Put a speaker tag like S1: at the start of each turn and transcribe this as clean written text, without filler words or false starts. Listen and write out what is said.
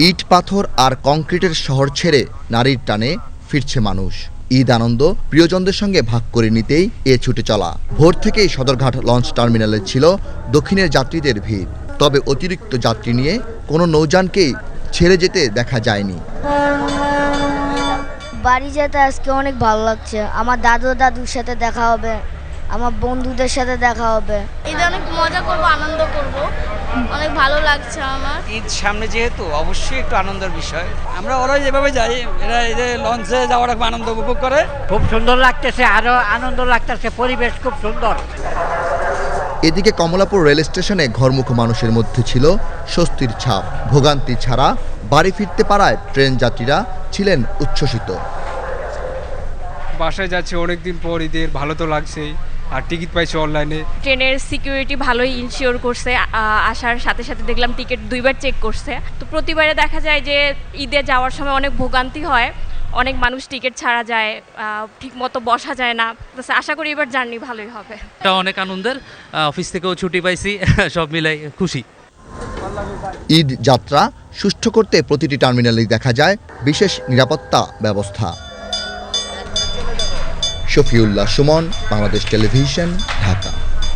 S1: ইট পাথর আর কংক্রিটের শহর ছেড়ে নারীর টানে ফিরছে মানুষ। ঈদ আনন্দ প্রিয়জনদের সঙ্গে ভাগ করে নিতেই এ ছুটে চলা। ভোর থেকেই সদরঘাট লঞ্চ টার্মিনালে ছিল দক্ষিণের যাত্রীদের ভিড়। তবে অতিরিক্ত যাত্রী নিয়ে কোনো নৌযানকেই ছেড়ে যেতে দেখা যায়নি।
S2: বাড়ি যেতে আজকে অনেক ভালো লাগছে। আমার দাদুর সাথে দেখা হবে, আমার বন্ধুদের সাথে দেখা হবে।
S3: ঈদে অনেক মজা করব, আনন্দ করব, অনেক ভালো লাগছে আমার।
S4: ঈদ সামনে যেহেতু অবশ্যই একটু আনন্দের বিষয়। আমরা ওরা যেভাবে যাই, এরা এই যে লঞ্চে যাওয়ার খুব আনন্দ উপভোগ করে।
S5: খুব সুন্দর লাগতেছে, আরো আনন্দ লাগতেছে, পরিবেশ খুব সুন্দর।
S1: এদিকে কমলাপুর রেল স্টেশনে ঘরমুখ মানুষের মধ্যে ছিল স্বস্তির ছাপ। ভোগান্তি ছাড়া বাড়ি ফিরতে পারায় ট্রেন যাত্রীরা ছিলেন উচ্ছ্বসিত।
S6: বাসায় যাচ্ছে অনেকদিন পর, ঈদের ভালো তো লাগছেই, আর টিকিট পাইছে অনলাইনে।
S7: ট্রেনের সিকিউরিটি ভালোই ইনশিওর করছে। আসার সাথে সাথে দেখলাম টিকিট 2বার চেক করছে। তো প্রতিবারে দেখা যায় যে ঈদে যাওয়ার সময় অনেক ভোগান্তি হয়, অনেক মানুষ টিকিট ছাড়া যায়, ঠিকমতো বসা যায় না। আশা করি এবার জার্নি ভালোই হবে।
S8: এটা অনেক আনন্দের, অফিস থেকেও ছুটি পাইছি, সব মিলাই খুশি।
S1: ঈদ যাত্রা সুষ্ঠু করতে প্রতিটি টার্মিনালেই দেখা যায় বিশেষ নিরাপত্তা ব্যবস্থা। শফিউল্লাহ সুমন, বাংলাদেশ টেলিভিশন, ঢাকা।